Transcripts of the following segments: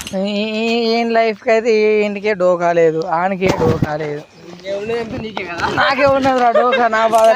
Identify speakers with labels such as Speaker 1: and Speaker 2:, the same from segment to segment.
Speaker 1: ఏం లైఫ్కి అయితే ఇంటికే డోకా లేదు, ఆనికే డోకా లేదు. నాకే ఉన్నది రా డోకా, నా బాధ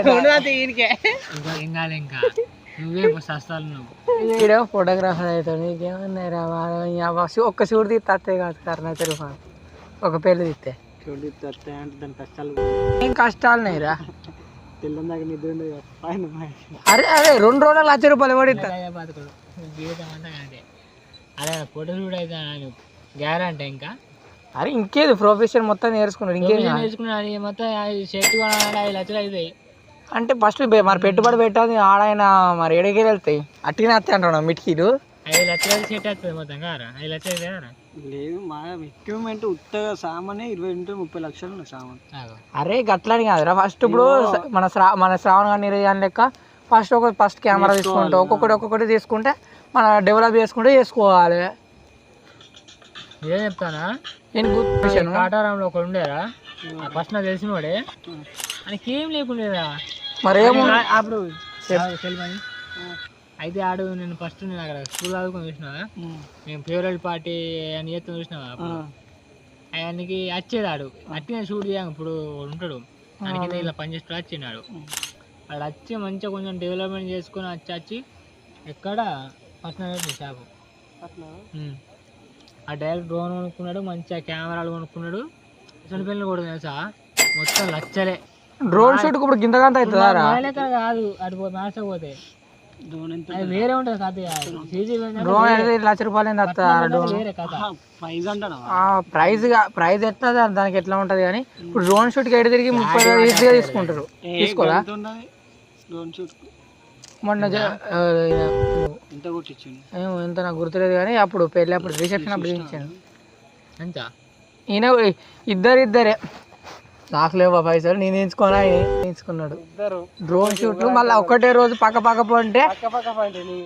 Speaker 2: ఇంకా నువ్వే సస్తాలు నువ్వు.
Speaker 1: ఈడో ఫోటోగ్రాఫర్ అవుతాడు, నీకేమన్నాయి రా ఒక్క షూట్ తీస్తే కాదు కర్ణ తెలుగు ఒక పెళ్ళి తీస్తే
Speaker 2: అంటే దాని కష్టాలు
Speaker 1: ఏం కష్టాలున్నాయి రా.
Speaker 2: తెల్లందాక నిద్ర ఉండదు.
Speaker 1: అరే 2 రోజులు ₹1,00,000 పడిస్తా
Speaker 2: బతుకుడు జీవితం అంతా అంటే అదే ఫోటోలు కూడా అయితే గ్యారంటీ ఇంకా.
Speaker 1: అరే ఇంకేది ప్రొఫెషన్ మొత్తం నేర్చుకున్నాడు, ఇంకేం
Speaker 2: నేర్చుకున్నాడు మొత్తం. షర్ట్ కొనాలంటే 5 లక్షలు అవుతాయి.
Speaker 1: అంటే ఫస్ట్ మరి పెట్టుబడి పెట్టాలి ఆడాయన, మరి ఎడకేలు వెళ్తాయి అట్టినే వస్తాయి అంటున్నావు మిటికీలు.
Speaker 2: 5 లక్షలు సెట్ అవుతుంది మొత్తం కారా? 5 లక్షలు కారా?
Speaker 3: లేదు మా ఎక్విప్మెంట్ ఉత్తగా సామానే 20-30 లక్షలు సామాన్.
Speaker 1: అరే గట్లని కాదురా, ఫస్ట్ ఇప్పుడు మన శ్రావణ గారి నిర్యాణ లెక్క ఫస్ట్ కెమెరా తీసుకుంటే ఒక్కొక్కటి తీసుకుంటే మన డెవలప్ చేసుకోవాలి.
Speaker 2: నేనే చెప్తానా,
Speaker 1: నేను
Speaker 2: కాటారంలో ఒక ఉండేరా ఫస్ట్ నాకు తెలిసిన వాడే, ఆయనకి ఏం లేకుండేదా.
Speaker 1: మరేమో
Speaker 2: అప్పుడు అయితే ఆడు నేను ఫస్ట్ నేను అక్కడ స్కూల్ ఆడుకొని చూసినావా, మేము ఫేవరెట్ పార్టీ అని చేస్తాం చూసినావా, ఆయనకి వచ్చేది ఆడు అట్టినే షూట్ చేయాలి. ఇప్పుడు ఉంటాడు ఆయనకి ఇలా పనిచేస్తూ వచ్చినాడు, వాడు వచ్చి మంచిగా కొంచెం డెవలప్మెంట్ చేసుకొని వచ్చి ఎక్కడ ఫస్ట్ షాపు ఆ డైరెక్ట్ డ్రోన్ కొనుక్కున్నాడు, మంచిగా కెమెరాలు కొనుక్కున్నాడు. చనిపోయిన కూడా తెలుసా మొత్తం లచ్చలే.
Speaker 1: డ్రోన్ షూట్ ఇప్పుడు గింతగంత అవుతుందా
Speaker 2: కాదు, అటు మ్యాచ్ పోతే వేరే ఉంటుంది కథ.
Speaker 1: డ్రోన్ ₹1,00,000
Speaker 2: వేరే కథ.
Speaker 1: ప్రైజ్ ఎట్లా దానికి ఎట్లా ఉంటది కానీ ఇప్పుడు డ్రోన్ షూట్ కి ఎటు తిరిగి 30,000 ఈజీగా తీసుకుంటారు. తీసుకోరా మొన్న ఎంత నాకు గుర్తులేదు కానీ అప్పుడు పెళ్ళి అప్పుడు రిసెప్షన్ అప్పుడు ఇచ్చాను. ఈయన ఇద్దరే నాకు లేవా పైసలు, నేను ఎంచుకున్నాడు డ్రోన్ షూట్లు. మళ్ళీ ఒకటే రోజు పక్క పోంటే